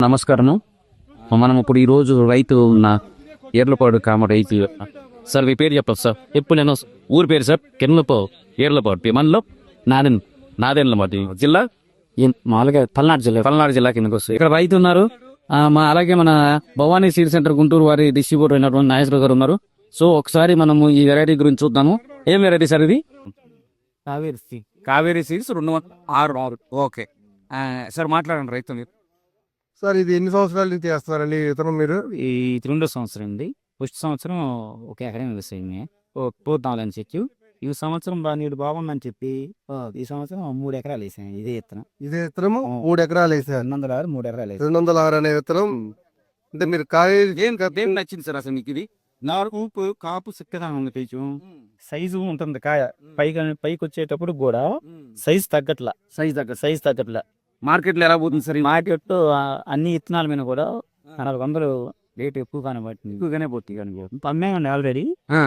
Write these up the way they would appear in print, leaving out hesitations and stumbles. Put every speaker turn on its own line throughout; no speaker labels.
నమస్కారం. మనం ఇప్పుడు ఈరోజు రైతు ఉన్న ఏర్లపాడు కామ రైతు. సార్ మీ పేరు చెప్పదు సార్. ఎప్పుడు నేను ఊరి పేరు సార్ కెన్లపో ఏర్లపాడు మనలో నాదెండ్ల మాది జిల్లా
మామూలుగా
పల్నాడు జిల్లా కిందకు వస్తుంది. ఇక్కడ రైతు ఉన్నారు. అలాగే మన భవానీ సీడ్ సెంటర్ గుంటూరు వారి డిస్ట్రిబ్యూటర్ అయినటువంటి నాగేశ్వర గారు ఉన్నారు. సో ఒకసారి మనము ఈ వెరైటీ గురించి చూద్దాము. ఏం వెరైటీ సార్ ఇది? కావేరీ సీడ్స్ 206. ఓకే సార్, మాట్లాడండి రైతు మీరు.
సార్ ఇది ఎన్ని సంవత్సరాల నుంచి చేస్తున్నారండి విత్తనం మీరు?
ఈ 2వ సంవత్సరం అండి. ఫస్ట్ సంవత్సరం ఒక ఎకరం వ్యవసాయమే పోతామని చెట్టు. ఈ సంవత్సరం నీళ్ళు బాగుందని చెప్పి ఈ సంవత్సరం 3 ఎకరాలు వేసాను. ఇదే విత్తనం.
ఇదే విత్తనము 3 ఎకరాలు వేసారు.
206 3 ఎకరాలు వేసాను.
206 అనే విత్తనం. అంటే మీరు కావేరీ
ఏం నచ్చింది సార్ అసలు మీకు ఇది?
నాలుగు కాపు సిక్కగా ఉంది. కొంచెం సైజు ఉంటుంది కాయ. పైకి వచ్చేటప్పుడు కూడా సైజ్ తగ్గట్లా
మార్కెట్ లో ఎలా పోతుంది సార్?
మార్కెట్ అన్ని విత్తనాల మీద కూడా 400 రేట్ ఎక్కువగానే పట్టింది. ఎక్కువగానే పోతుంది. అమ్మామండి ఆల్రెడీ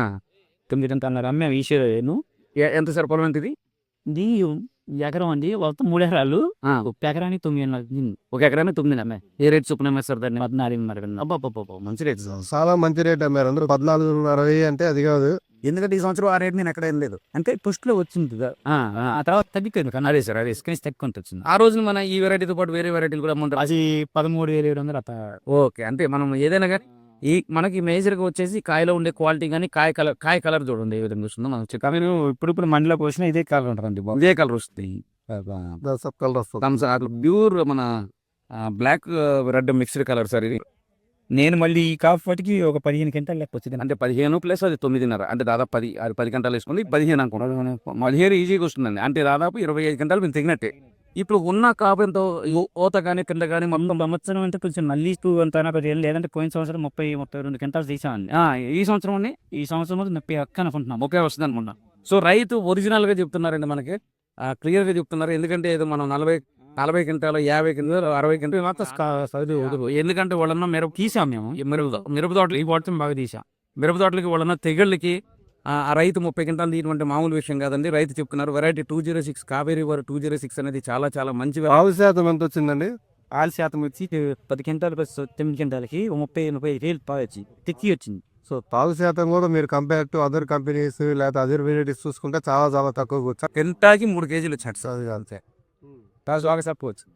9 అమ్మాము. ఈశ్వరేను
ఎంత సార్ పొలం ఎంత ఇది?
ఇది ఎకరం అండి. మొత్తం 3 ఎకరాలు. ఒక ఎకరానికి 9
ఒక ఎకరానికి 9 అమ్మాయి. ఏ రేట్ చొప్పున అమ్మాయి సార్ దాన్ని?
14
మంచి రేట్ సార్.
చాలా మంచి రేట్ అమ్మారు అందరూ. 14.60 అంటే అది కాదు.
ఎందుకంటే ఈ సంవత్సరం ఆ రేట్ నేను ఎక్కడ ఏం లేదు. అంటే ఫస్ట్ లో వచ్చింది ఆ తర్వాత తగ్గిపోయింది. కానీ
అదే సార్, అదే
తక్కువ వచ్చింది.
ఆ రోజున మన ఈ వెరైటీతో పాటు వేరే వెరైటీలు కూడా అమ్ముంటారు.
అది 13,700 అట్లా.
ఓకే, అంటే మనం ఏదైనా కానీ మనకి మేజర్ గా వచ్చేసి కాయలో ఉండే క్వాలిటీ కానీ కాయ కలర్ చూడండి ఏ విధంగా వస్తుందో మనం
మీరు ఇప్పుడు మండిలో పోసినా ఇదే కలర్ ఉంటుందండి.
ఇదే కలర్ వస్తుంది.
సబ్ కలర్ వస్తుంది.
ప్యూర్ మన black red mixed colour sir ఇది.
నేను మళ్ళీ ఈ కాఫీకి ఒక 15 గంటలు లెక్క వచ్చింది.
అంటే 15 ప్లస్ అది 9.5 అంటే దాదాపు 10 గంటలు వేసుకుంది. 15 అనుకుంటారు. 15 ఈజీగా వస్తుందండి. అంటే దాదాపు 25 గంటలు మేము తెగినట్టే. ఇప్పుడు ఉన్న కాపుతో ఓత కానీ కింద కానీ మొత్తం
సంవత్సరం అంటే కొంచెం మళ్ళీ అంత లేదంటే పోయిన సంవత్సరం 30-32 గంటలు తీసామండి.
ఈ సంవత్సరం అండి.
ఈ సంవత్సరం 30 అనుకుంటున్నాం.
30 వస్తుంది అనుకుంటున్నాం. సో రైతు ఒరిజినల్ గా చెప్తున్నారండి, మనకి క్లియర్ గా చెప్తున్నారు. ఎందుకంటే ఏదో మనం 40 క్వింటాలు 50 క్వింటాలు 60 క్వింటాలు ఎందుకంటే వాళ్ళన్న మిరప తీసాం మేము. మిరప తోటలు ఈ వాటిని బాగా తీసాం. మిరప తోటలకి వాళ్ళన్న తెగళ్ళకి ఆ రైతు 30 క్వింటాలు తీయమంటే మామూలు విషయం కాదండి. రైతు చెప్తున్నారు వెరైటీ 206 కావేరీ వారు 206 అనేది చాలా చాలా మంచి.
ఆవు శాతం ఎంత వచ్చిందండి?
ఆల్ శాతం వచ్చి 10 క్వింటాలు 9 క్వింటాలకి 30,000 వచ్చి తెచ్చి వచ్చింది.
సో తాగు శాతం కూడా మీరు కంపేర్ టు అదర్ కంపెనీస్ లేదా అదర్ వెరైటీస్ చూసుకుంటే చాలా చాలా తక్కువ వచ్చారు.
కింటాకి 3 కేజీలు వచ్చాడు సార్.
అంతే
బాగా చెప్పవచ్చు.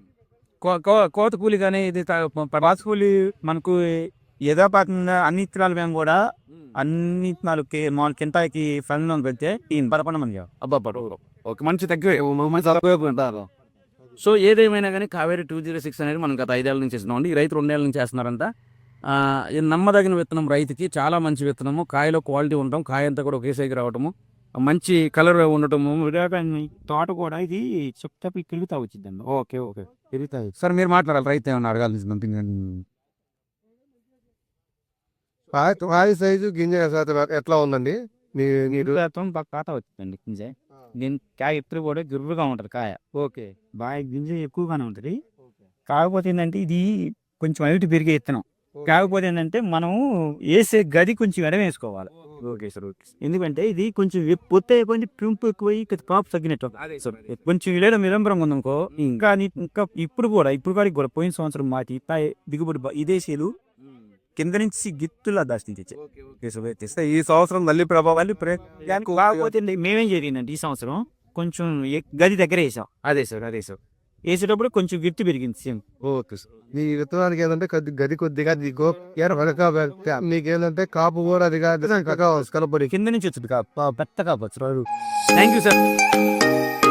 కోత కూలి కానీ ఇది పాత కూలి మనకు ఏదో పాకంగా అన్ని ఇత్తనాలు మేము కూడా అన్ని ఇత్తనాలు మామూలు కింటాకి ఫండ్లో పెడితే 11 మంది.
ఒక మంచి తక్కువ. సో ఏదేమైనా కానీ కావేరీ 206 అనేది మనం గత 5 ఏళ్ళ నుంచి చేస్తున్నాం. ఈ రైతు 2 ఏళ్ళ నుంచి చేస్తున్నారంట. నమ్మదగిన విత్తనం, రైతుకి చాలా మంచి విత్తనము. కాయలో క్వాలిటీ ఉండటం, కాయ అంతా కూడా ఒకేసారికి రావటము, మంచి కలర్ ఉండటము.
తోట కూడా ఇది చెప్తా తిరుగుతా వచ్చిందండి.
ఓకే తిరుగుతాయి సార్. మీరు మాట్లాడాలి, రైతు ఏమన్నా అడగాల్సింది?
కాయ సైజు గింజ శాతం ఎట్లా ఉందండి?
ఖాతా వచ్చిందండి గింజ. దీని కాయ ఎప్పుడు కూడా గుర్రుగా ఉంటుంది కాయ.
ఓకే,
బాగా గింజ ఎక్కువగానే ఉంటుంది. కాకపోతే ఏంటంటే ఇది కొంచెం హైట్ పెరిగే ఇత్తనం. కాకపోతే ఏంటంటే మనం వేసే గది కొంచెం ఎడ వేసుకోవాలి.
Okay sir.
ఎందుకంటే ఇది కొంచెం పొత్తే కొంచెం పెంపు ఎక్కువయ్యి కాపు తగ్గినట్టు. కొంచెం ఇళ్ళ నిరంబరంగా ఉందనుకో ఇంకా ఇప్పుడు కూడా పోయిన సంవత్సరం మాటి దిగుబడి ఇదేసేలు కింద నుంచి గిత్తులా దాచి
ఈ సంవత్సరం మళ్ళీ ప్రభావాలు.
కాకపోతే మేమేం జరిగిందంటే ఈ సంవత్సరం కొంచెం గది దగ్గర వేసాం.
అదే సార్
వేసేటప్పుడు కొంచెం గిట్టు పెరిగింది సేమ్.
Okay sir. మీ విత్తనానికి ఏంటంటే గది కొద్దిగా మీకేంటంటే కాపు కూడా అది కలపడి
కింద నుంచి వచ్చింది కాపు పెద్ద కాపు.
Thank you sir.